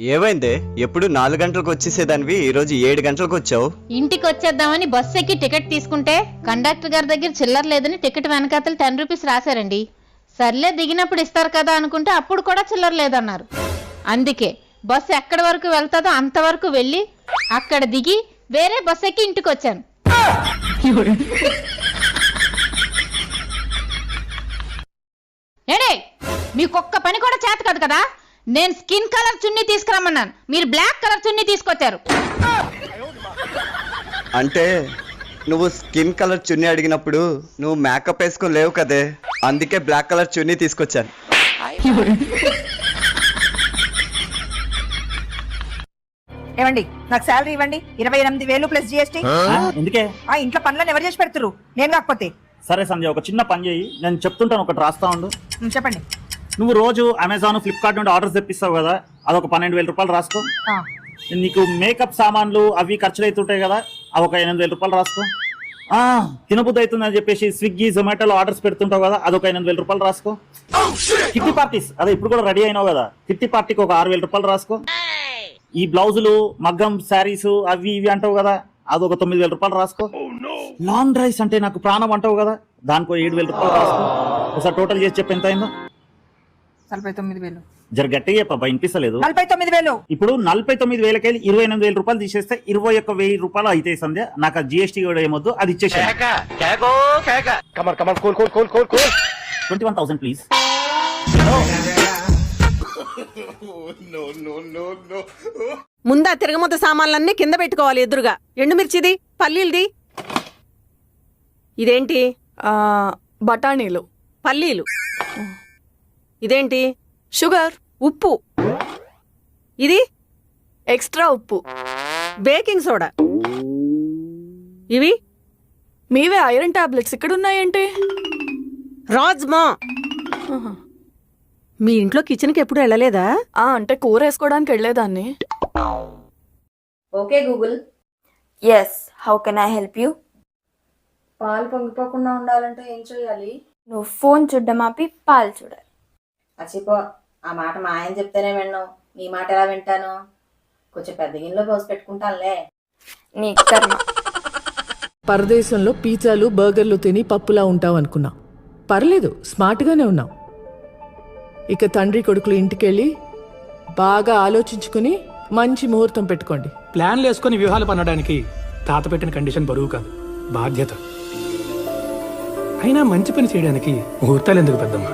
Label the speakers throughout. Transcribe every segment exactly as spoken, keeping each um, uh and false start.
Speaker 1: ఏమైందే? ఎప్పుడు నాలుగు గంటలకు వచ్చేసేదానివి ఈ రోజు ఏడు గంటలకు వచ్చావు.
Speaker 2: ఇంటికి వచ్చేద్దామని బస్సు ఎక్కి టికెట్ తీసుకుంటే కండక్టర్ గారి దగ్గర చిల్లర లేదని టికెట్ వెనకాతలు టెన్ రూపీస్ రాశారండి. సర్లే దిగినప్పుడు ఇస్తారు కదా అనుకుంటే అప్పుడు కూడా చిల్లర లేదన్నారు. అందుకే బస్సు ఎక్కడి వరకు వెళ్తాదో అంతవరకు వెళ్ళి అక్కడ దిగి వేరే బస్సు ఎక్కి ఇంటికి వచ్చాను. ఏడే మీకొక్క పని కూడా చేత కాదు కదా. నేను స్కిన్ కలర్ చున్నీ తీసుకురమ్మన్నాను, మీరు బ్లాక్ కలర్ చున్నీ తీసుకొచ్చారు.
Speaker 1: అంటే నువ్వు స్కిన్ కలర్ చున్నీ అడిగినప్పుడు నువ్వు మేకప్ వేసుకొని లేవు కదే, అందుకే బ్లాక్ కలర్ చున్నీ తీసుకొచ్చాను.
Speaker 3: ఏమండి నాకు శాలరీ ఇవ్వండి. ఇరవై ఎనిమిది వేలు ప్లస్ జిఎస్టీ.
Speaker 4: ఎందుకే?
Speaker 3: ఆ ఇంట్లో పనులను ఎవరు చేసి పెడుతురు? నేను కాకపోతే.
Speaker 4: సరే సంజయ్, ఒక చిన్న పని చేయి, నేను చెప్తుంటాను, ఒకటి రాస్తా ఉండు.
Speaker 3: ఉమ్, చెప్పండి.
Speaker 4: నువ్వు రోజు అమెజాన్ ఫ్లిప్కార్ట్ నుండి ఆర్డర్స్ తెప్పిస్తావు కదా, అదొక పన్నెండు వేల రూపాయలు రాసుకో.
Speaker 3: ఆ,
Speaker 4: నీకు మేకప్ సామాన్లు అవి ఖర్చులు అవుతుంటాయి కదా, అదొక ఎనిమిది వేల రూపాయలు రాసుకో. ఆ తినబుద్ధి అవుతుందని చెప్పేసి స్విగ్గీ జొమాటోలో ఆర్డర్స్ పెడుతుంటావు కదా, అదొక ఎనిమిది వేల రూపాయలు రాసుకో. కిట్టి పార్టీస్ అదే ఇప్పుడు కూడా రెడీ అయినావు కదా, కిట్టి పార్టీకి ఒక ఆరు వేల రూపాయలు రాసుకో. ఈ బ్లౌజులు మగ్గం శారీస్ అవి ఇవి అంటావు కదా, అదొక తొమ్మిది వేల రూపాయలు రాసుకో. లాంగ్ డ్రైవ్స్ అంటే నాకు ప్రాణం అంటావు కదా, దానికో ఏడు వేల రూపాయలు రాసుకో. ఒకసారి టోటల్ చేసి చెప్పి ఎంత అయిందో.
Speaker 3: నలభై తొమ్మిది వేలు.
Speaker 4: జర గట్టిగా చెప్పబ్బా, వినిపిస్తలేదు.
Speaker 3: నలభై తొమ్మిది వేలు.
Speaker 4: ఇప్పుడు నలభై తొమ్మిది వేలకెళ్ళి ఇరవై ఎనిమిది వేల రూపాయలు తీసేస్తే ఇరవై ఒక్క వెయ్యి రూపాయలు అయితే సంధ్య. నాకు ఆ జిఎస్టీ కూడా ఏమొద్దు, అది ఇచ్చేసి ట్వంటీ వన్ థౌసండ్ ప్లీజ్.
Speaker 5: ముందా తిరగమత సామాన్లన్నీ కింద పెట్టుకోవాలి ఎదురుగా. ఎండుమిర్చిది, పల్లీలది. ఇదేంటి?
Speaker 6: బఠానీలు.
Speaker 5: పల్లీలు. ఇదేంటి?
Speaker 6: షుగర్.
Speaker 5: ఉప్పు. ఇది
Speaker 6: ఎక్స్ట్రా ఉప్పు.
Speaker 5: Baking soda. ఇవి
Speaker 6: మీవే ఐరన్ టాబ్లెట్స్ ఇక్కడ ఉన్నాయేంటి?
Speaker 5: రాజ్మా. మీ ఇంట్లో కిచెన్కి ఎప్పుడు వెళ్ళలేదా?
Speaker 6: ఆ అంటే కూర వేసుకోవడానికి వెళ్ళేదాన్ని.
Speaker 7: Okay Google.
Speaker 8: Yes, how can I help you?
Speaker 7: పాలు పొంగిపోకుండా ఉండాలంటే ఏం చేయాలి?
Speaker 8: నువ్వు ఫోన్ చూడ్డం ఆపి పాలు చూడాలి.
Speaker 7: అచ్చిపో, ఆ మాట మా ఆయన చెప్తేనే విన్నావు, నీ మాట ఎలా వింటాను? కొంచెం పెద్ద గిన్నెలో పోసి పెట్టుకుంటానులే.
Speaker 8: నీ కర్మ.
Speaker 9: పరదేశంలో పిజ్జాలు బర్గర్లు తిని పప్పులా ఉంటావు అనుకున్నా. పర్లేదు, స్మార్ట్గానే ఉన్నావు. ఇక తండ్రి కొడుకులు ఇంటికెళ్ళి బాగా ఆలోచించుకుని మంచి ముహూర్తం పెట్టుకోండి.
Speaker 10: ప్లాన్లు వేసుకుని వ్యూహాలు పన్నడానికి తాత పెట్టిన కండిషన్ బరువు కాదు, బాధ్యత. అయినా మంచి పని చేయడానికి ముహూర్తాలు ఎందుకు పెద్దమ్మా?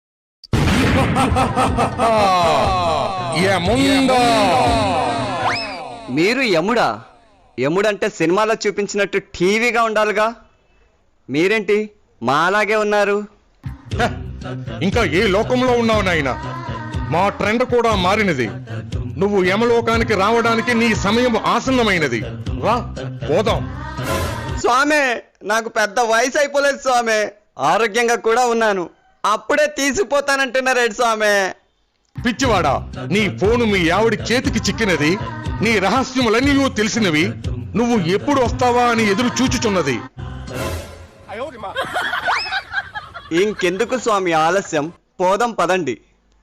Speaker 1: మీరు యముడా? యముడంటే సినిమాలో చూపించినట్టు టీవీగా ఉండాలిగా, మీరేంటి మా అలాగే ఉన్నారు?
Speaker 11: ఇంకా ఏ లోకంలో ఉన్నావు నాయన? మా ట్రెండ్ కూడా మారినది. నువ్వు యమలోకానికి రావడానికి నీ సమయం ఆసన్నమైనది. రా పోదాం.
Speaker 1: స్వామి, నాకు పెద్ద వయసు అయిపోలేదు స్వామి, ఆరోగ్యంగా కూడా ఉన్నాను. అప్పుడే తీసిపోతానంటున్నారేడు స్వామి.
Speaker 11: పిచ్చివాడా, నీ ఫోను మీ ఆవిడ చేతికి చిక్కినది. నీ రహస్యములన్నీ తెలిసినవి. నువ్వు ఎప్పుడు వస్తావా అని ఎదురు చూచుచున్నది.
Speaker 1: ఇంకెందుకు స్వామి ఆలస్యం, పోదాం పదండి.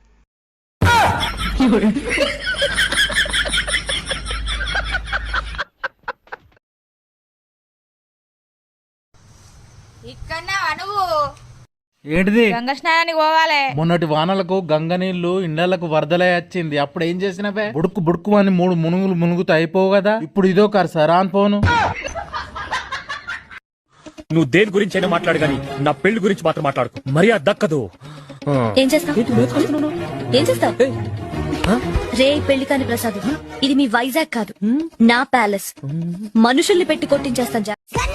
Speaker 2: ఇక్కడనే అనువు
Speaker 12: ఏంటిది?
Speaker 2: గంగ స్నానానికి పోవాలి.
Speaker 12: మొన్నటి వానలకు గంగ నీళ్లు ఇండ్లకు వరదలై వచ్చింది. అప్పుడు ఏం చేసినవే? బుడుకు బుడుకు అని మూడు మునుగులు మునుగుతూ అయిపోవు కదా. ఇప్పుడు ఇదో కరసరా అని పోను.
Speaker 10: నువ్వు దేని గురించి అయినా మాట్లాడు కానీ నా పెళ్లి గురించి మాత్రం మాట్లాడుకో, మర్యాద దక్కదు.
Speaker 8: ఏం చేస్తావు? ఏం చేస్తావు? రే పెళ్లి కాని ప్రసాద్, ఇది మీ వైజాగ్ కాదు, నా ప్యాలెస్. మనుషుల్ని పెట్టి కొట్టించేస్తాను.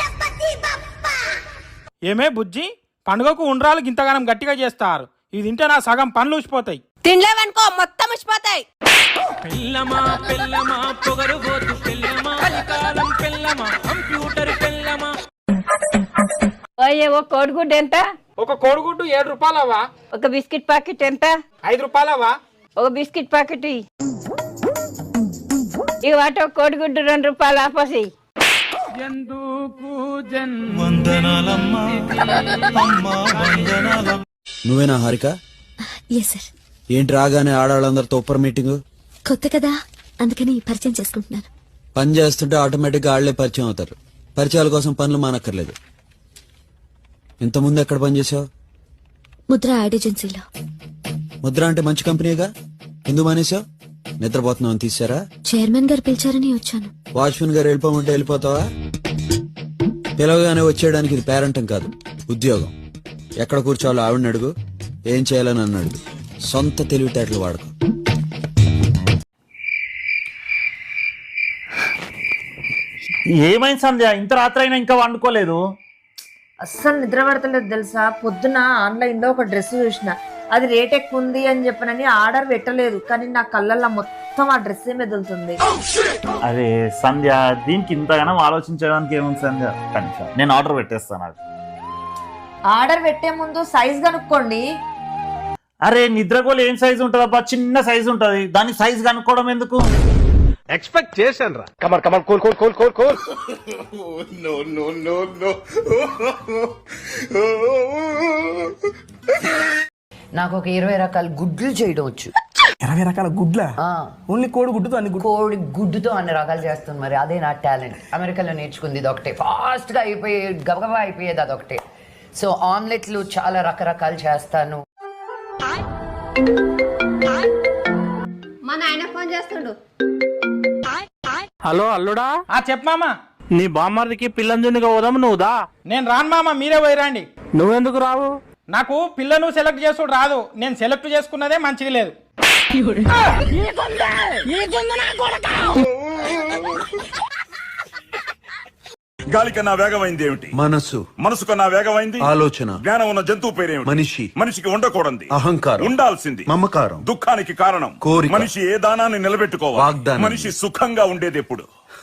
Speaker 10: ఏమే బుజ్జి, పండుగకు ఉండ్రాలు ఇంతగానం గట్టిగా చేస్తారు. ఇది తింటే నా సగం పనులు ఊసిపోతాయి.
Speaker 5: తినలేవనుకో మొత్తం ఉసిపోతాయి.
Speaker 10: పెళ్ళమా పెళ్ళమా పొగరుబోతు పెళ్ళమా, కలికాలం పెళ్ళమా, కంప్యూటర్ పెళ్ళమా.
Speaker 2: ఓ కోడిగుడ్డు ఎంత?
Speaker 10: ఒక కోడిగుడ్డు ఏడు రూపాయలవా?
Speaker 2: ఒక బిస్కెట్ ప్యాకెట్ ఎంత?
Speaker 10: ఐదు రూపాయలవా?
Speaker 2: ఒక బిస్కెట్ ప్యాకెట్. ఈ వాటి ఒక కోడిగుడ్డు రెండు రూపాయలు ఆపసి.
Speaker 13: నువ్వేనా హారిక?
Speaker 8: Yes sir.
Speaker 13: ఏంటి రాగానే ఆడవాళ్ళందరితో ఒప్పర్ మీటింగ్?
Speaker 8: కొత్త కదా అందుకని పరిచయం చేసుకుంటున్నాను.
Speaker 1: పని చేస్తుంటే ఆటోమేటిక్గా ఆళ్లే పరిచయం అవుతారు. పరిచయాల కోసం పనులు మానక్కర్లేదు. ఇంతకుముందు ఎక్కడ పనిచేసావు?
Speaker 8: ముద్ర యాడ్ ఏజెన్సీలో.
Speaker 1: ముద్ర అంటే మంచి కంపెనీగా, ఎందుకు మానేసావు? నిద్రపోతున్నావు అని తీసారా?
Speaker 8: చైర్మన్ గారు పిలిచారని వచ్చాను.
Speaker 1: వాచ్మెన్ గారు వెళ్ళిపోమంటే వెళ్ళిపోతావా? పిలవగానే వచ్చేయడానికి ఇది పేరంటం కాదు, ఉద్యోగం. ఎక్కడ కూర్చోవాలో ఆవిడని అడుగు, ఏం చేయాలని నన్ను అడుగు. సొంత తెలివితేటలు వాడుకో.
Speaker 4: ఏమైంది సంధ్య, ఇంత రాత్రి అయినా ఇంకా వండుకోలేదు?
Speaker 3: అస్సలు నిద్ర పడతలేదు తెలుసా. పొద్దున ఆన్లైన్ లో ఒక డ్రెస్ చూసిన, అది రేట్ ఎక్కువ ఉంది అని చెప్పనని ఆర్డర్ పెట్టలేదు, కానీ నా కళ్ళల్లో మొత్తం ఆ డ్రెస్ మెదులుతుంది.
Speaker 4: అరే సంధ్య, దీనికి ఇంతగానో ఆలోచించడానికి ఏముంది సంధ్య? కనీసం నేను ఆర్డర్ పెట్టేస్తాను. అది
Speaker 3: ఆర్డర్ పెట్టే ముందు సైజ్ కనుక్కోండి.
Speaker 4: అరే నిద్రగోలు ఏం సైజు ఉంటుంది అబ్బా? చిన్న సైజు ఉంటది, దాని సైజు కనుక్కోవడం ఎందుకు?
Speaker 10: ఎక్స్పెక్ట్ చేశాను రా. కమర్ కమర్ కోల్ కోల్ కోల్ కోల్ కోల్.
Speaker 11: No no no no.
Speaker 3: నాకు ఒక ఇరవై రకాల గుడ్లు చేయడం వచ్చు.
Speaker 10: ఇరవై రకాల గుడ్ల? ఓన్లీ కోడి గుడ్డుతో అన్ని గుడ్డు?
Speaker 3: కోడి గుడ్డుతో అన్ని రకాలు చేస్తాను, మరి అదే నా టాలెంట్. అమెరికాలో నేర్చుకుంది ఇది ఒకటే, ఫాస్ట్ గా అయిపోయే గబగబా అయిపోయేది అదొకటే. సో ఆమ్లెట్లు చాలా రకరకాలు చేస్తాను.
Speaker 7: మా నాయన ఫోన్ చేస్తుండు.
Speaker 10: హలో అల్లుడా.
Speaker 12: ఆ చెప్పమామా. నీ బామ్మర్దికి పిల్లంజునిగా పోదాము, నువ్వుదా?
Speaker 10: నేను రాను మామ, మీరే పోయిరండి.
Speaker 12: నువ్వెందుకు రావు?
Speaker 10: నాకు పిల్లను సెలెక్ట్ చేసుడు రాదు. నేను సెలెక్ట్ చేసుకున్నదే మంచిగా లేదు.
Speaker 11: గాలి కన్నా వేగమైంది ఏమిటి? మనసు. మనసు కన్నా వేగమైంది ఆలోచన. జ్ఞానం ఉన్న జంతువు పేరేమిటి? మనిషి. మనిషికి ఉండకూడదు అహంకారం, ఉండాల్సింది మమకారం. దుఃఖానికి కారణం కోరిక. మనిషి ఏ దానాన్ని నిలబెట్టుకోవాలి? వాగ్దానం. మనిషి సుఖంగా ఉండేది ఎప్పుడు?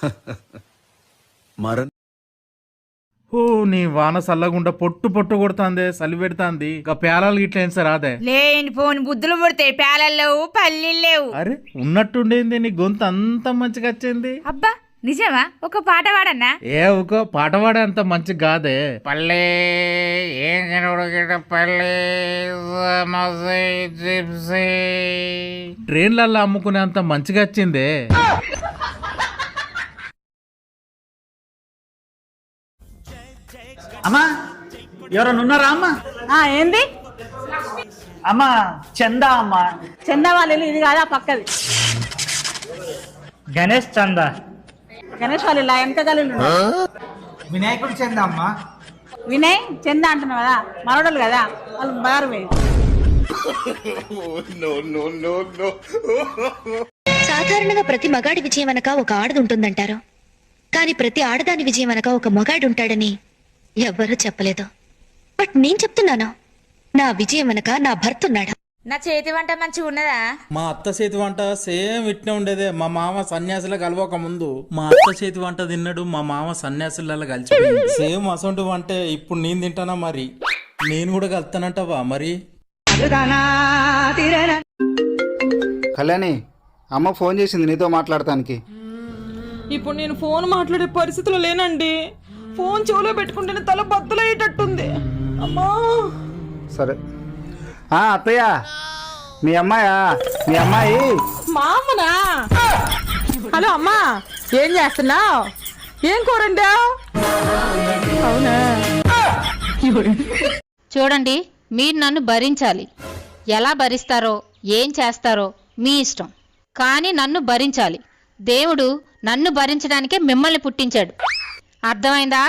Speaker 11: మరణ.
Speaker 12: ఓ నీ వాన సల్లగుండా పొట్టు పొట్టు కొడుతుంది, సలి పెడుతుంది. ఇక పేలాలు గిట్ల ఏం సార్ అదే
Speaker 3: లేని ఫోన్ బుద్ధులు పుడితే పేలలు లేవు, పల్లీలు లేవు.
Speaker 12: అరే ఉన్నట్టుండేంది నీ గొంతు అంత మంచిగా వచ్చింది.
Speaker 3: అబ్బా నిజమా? ఒక పాట పాడన్నా?
Speaker 12: ఏ ఒక పాట పాడే అంత మంచి కాదే. పల్లె ఏం పల్లె ట్రైన్లలో అమ్ముకునే అంత మంచిగా వచ్చిందే.
Speaker 4: అమ్మా ఎవరన్నా ఉన్నారా అమ్మా?
Speaker 3: ఏంది
Speaker 4: అమ్మా చందా అమ్మా.
Speaker 3: చందా వాళ్ళు ఇది కాదా పక్కది?
Speaker 4: గణేష్ చందా.
Speaker 3: గణేష్ వాళ్ళు ఇలా ఎంత గలు
Speaker 10: వినాయకుడు చెందా అమ్మా.
Speaker 3: వినయ్ చందా అంటున్నావు కదా, మరొడలు కదా వాళ్ళు బారు.
Speaker 8: సాధారణంగా ప్రతి మగాడి విజయం అనక ఒక ఆడది ఉంటుందంటారు, కానీ ప్రతి ఆడదాని విజయం అనక ఒక మగాడు ఉంటాడని ఎవ్వరూ చెప్పలేదు. బట్ నేను చెప్తున్నాను, నా విజయం అనక నా భర్త ఉన్నాడు.
Speaker 3: నా చేతి వంట మంచిగా ఉన్నదా?
Speaker 12: మా అత్త చేతి వంట సేమ్ ఇట్నే ఉండేదే. మా మామ సన్యాసుల కలవక ముందు మా అత్త చేతి వంట తిన్నాడు, మా మామ సన్యాసులలో కలిసి సేమ్ అసొంటి వంటే ఇప్పుడు నేను తింటానా? మరి నేను కూడా కలుతానంటావా? మరి
Speaker 10: కళ్యాణి అమ్మ ఫోన్ చేసింది నీతో మాట్లాడటానికి.
Speaker 6: ఇప్పుడు నేను ఫోన్ మాట్లాడే పరిస్థితిలో లేనండి. ఫోన్ చెవులో పెట్టుకుంటేనే తల బద్దలయ్యేటట్టుంది. అమ్మా
Speaker 10: సరే. ఆ అత్తయ్య, మీ అమ్మాయా? మీ అమ్మాయి
Speaker 6: మా అమ్మనా? హలో అమ్మా, ఏం చేస్తున్నావు? ఏం కూరండా? అవునా?
Speaker 2: చూడండి, మీరు నన్ను భరించాలి. ఎలా భరిస్తారో ఏం చేస్తారో మీ ఇష్టం, కానీ నన్ను భరించాలి. దేవుడు నన్ను భరించడానికే మిమ్మల్ని పుట్టించాడు. అర్థమైందా?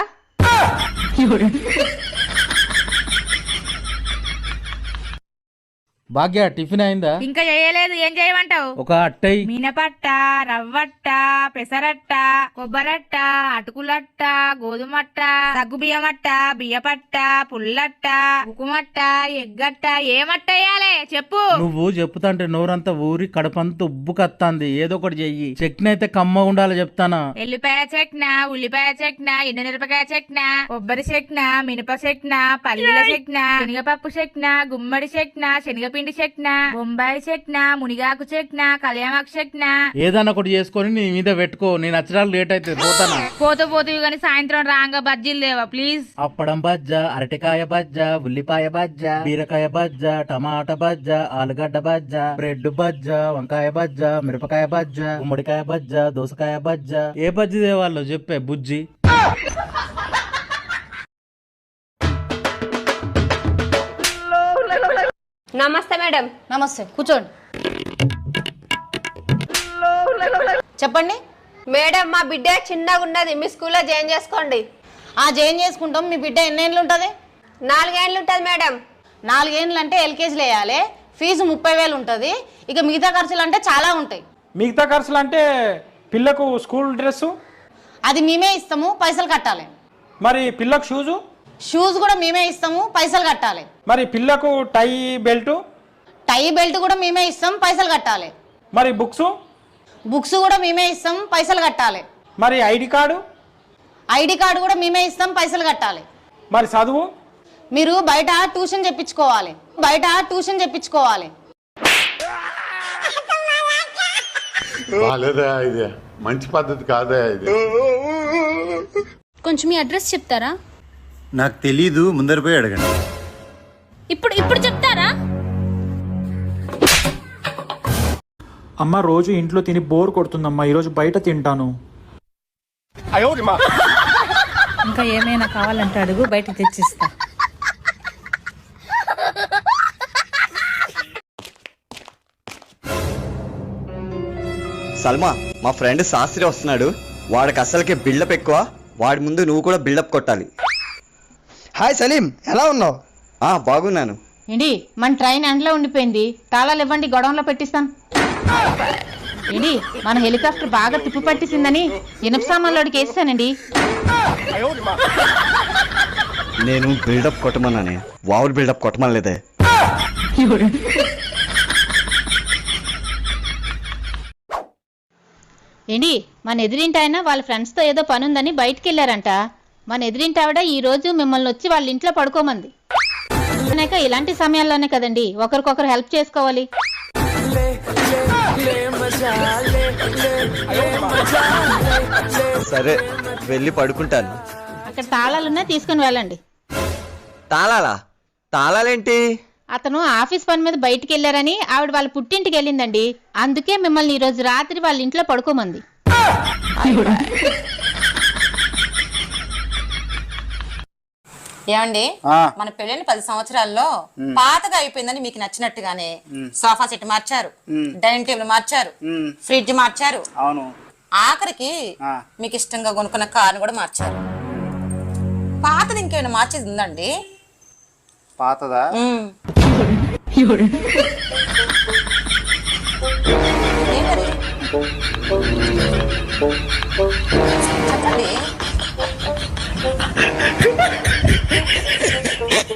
Speaker 12: భాగ్య టిఫిన్ అయిందా?
Speaker 3: ఇంకా చేయలేదు. ఏం చేయమంటావు?
Speaker 12: ఒక అట్టై
Speaker 3: మినపట్ట, రవ్వట్ట, పెసరట్ట, కొబ్బరట్ట, అటుకులట్ట, గోధుమట్ట, సగ్గు బియ్యమట్ట, బియ్యపట్ట, పుల్లట్ట, ఉకుమట్ట, ఎగ్గట్ట. ఏమట్ట వేయాలి చెప్పు?
Speaker 12: నువ్వు చెప్తాంటే నోరంతా ఊరి కడపంతా ఉబ్బు కత్తాంది. ఏదో ఒకటి చెయ్యి. చట్నీ అయితే కమ్మ ఉండాలి చెప్తానా.
Speaker 3: ఎల్లిపాయ చెట్న, ఉల్లిపాయ చెట్న, ఎండుమిరపకాయ చెట్న, కొబ్బరి చెట్న, మినప చెట్న, పల్లీల చెట్న, శనగపప్పు చెట్న, గుమ్మడి చెట్న, శనగపిండి
Speaker 6: ఎండి చెట్న బొంబాయి చెట్న మునిగాకు చెట్న కళ్యామాకు చెట్న
Speaker 12: ఏదన్నా ఒకటి చేసుకొని నీ మీద పెట్టుకో. నేను నచ్చడానికి లేట్ అయితే పోతానా?
Speaker 6: పోతూ పోతూ కానీ సాయంత్రం రాంగా బజ్జీలు లేవా ప్లీజ్?
Speaker 12: అప్పడం బజ్జ, అరటికాయ బజ్జ, ఉల్లిపాయ బజ్జ, బీరకాయ బజ్జ, టమాటా బజ్జ, ఆలుగడ్డ బజ్జ, బ్రెడ్ బజ్జ, వంకాయ బజ్జ, మిరపకాయ బజ్జ, గుమ్మడికాయ బజ్జ, దోసకాయ బజ్జ. ఏ బజ్జి దేవాళ్ళు చెప్పే బుజ్జి.
Speaker 6: నమస్తే మేడం. నమస్తే, కూర్చోండి. చెప్పండి
Speaker 5: మేడం మా బిడ్డ చిన్నగా ఉన్నది, మీ స్కూల్లో జాయిన్ చేసుకోండి.
Speaker 6: ఆ జాయిన్ చేసుకుంటాం. మీ బిడ్డ ఎన్నేళ్ళు ఉంటుంది?
Speaker 5: నాలుగేళ్ళు ఉంటుంది మేడం.
Speaker 6: నాలుగేళ్ళు అంటే ఎల్కేజీలు వేయాలి. ఫీజు ముప్పై వేలు ఉంటుంది. ఇక మిగతా ఖర్చులు అంటే చాలా ఉంటాయి.
Speaker 10: మిగతా ఖర్చులు అంటే పిల్లకు స్కూల్ డ్రెస్సు,
Speaker 6: అది మేమే ఇస్తాము, పైసలు కట్టాలి.
Speaker 10: మరి పిల్లకు షూజు,
Speaker 6: షూస్ కూడా మేమే ఇస్తాము, పైసలు కట్టాలి.
Speaker 10: మరి పిల్లకు టై బెల్టు,
Speaker 6: టై బెల్ట్ కూడా మేమే ఇస్తాం, పైసలు కట్టాలి.
Speaker 10: మరి బుక్స్,
Speaker 6: బుక్స్ కూడా మేమే ఇస్తాం, పైసలు కట్టాలి.
Speaker 10: మరి ఐడి కార్డు,
Speaker 6: ఐడి కార్డు కూడా మేమే ఇస్తాం, పైసలు కట్టాలి.
Speaker 10: మరి చదువు,
Speaker 6: మీరు బయట ట్యూషన్ చెప్పించుకోవాలి. బయట ట్యూషన్ చెప్పించుకోవాలి.
Speaker 11: ఇది మంచి పద్ధతి కాదా ఇది?
Speaker 8: కొంచెం మీ అడ్రస్ చెప్తారా?
Speaker 1: నాకు తెలీదు, ముందర పోయి అడగండి.
Speaker 8: ఇప్పుడు ఇప్పుడు చెప్తారా?
Speaker 10: అమ్మ రోజు ఇంట్లో తిని బోర్ కొడుతుందమ్మా, ఈరోజు బయట తింటాను.
Speaker 6: ఇంకా ఏమైనా కావాలంటే అడుగు, బయట తెచ్చిస్తా.
Speaker 1: సల్మా, మా ఫ్రెండ్ శాస్త్రి వస్తున్నాడు. వాడికి అసలుకే బిల్డప్ ఎక్కువ. వాడి ముందు నువ్వు కూడా బిల్డప్ కొట్టాలి. హాయ్ సలీం, ఎలా ఉన్నావు? ఆ బాగున్నాను.
Speaker 2: ఏంటి మన ట్రైన్ ఎండలో ఉండిపోయింది, తాళాలు ఇవ్వండి, గొడవలో పెట్టిస్తాను. ఏంటి మన హెలికాప్టర్ బాగా తిప్పి పట్టిసిందని ఇనుప సామాన్లోడికి వేస్తానండి.
Speaker 1: నేను బిల్డప్ కొట్టమన్నానే, వావులు బిల్డప్ కొట్టమనలేదే.
Speaker 2: ఏంటి మన ఎదిరింటి ఆయన వాళ్ళ ఫ్రెండ్స్తో ఏదో పని ఉందని బయటికి వెళ్ళారంట. మన ఎదిరింటి ఆవిడ ఈ రోజు మిమ్మల్ని వచ్చి వాళ్ళ ఇంట్లో పడుకోమంది. అనేక ఇలాంటి సమయాల్లోనే కదండి ఒకరికొకరు హెల్ప్ చేసుకోవాలి.
Speaker 1: సరే వెళ్ళి పడుకుంటాను.
Speaker 2: అక్కడ తాళాలున్నా తీసుకుని వెళ్ళండి.
Speaker 1: తాళాలా? తాళాలేంటి?
Speaker 2: అతను ఆఫీస్ పని మీద బయటికి వెళ్ళారని ఆవిడ వాళ్ళ పుట్టింటికి వెళ్ళిందండి. అందుకే మిమ్మల్ని ఈ రోజు రాత్రి వాళ్ళ ఇంట్లో పడుకోమంది.
Speaker 7: ఏమండి, మన పెళ్ళైన పది సంవత్సరాల్లో పాతగా అయిపోయిందని మీకు నచ్చినట్టుగానే సోఫా సెట్ మార్చారు, డైనింగ్ టేబుల్ మార్చారు, ఫ్రిడ్జ్ మార్చారు,
Speaker 4: అవును,
Speaker 7: ఆఖరికి మీకు ఇష్టంగా కొనుక్కున్న కారు కూడా మార్చారు. పాతది ఇంకేమైనా మార్చేది ఉందండి?
Speaker 4: పాతదా?
Speaker 7: ఏంటది?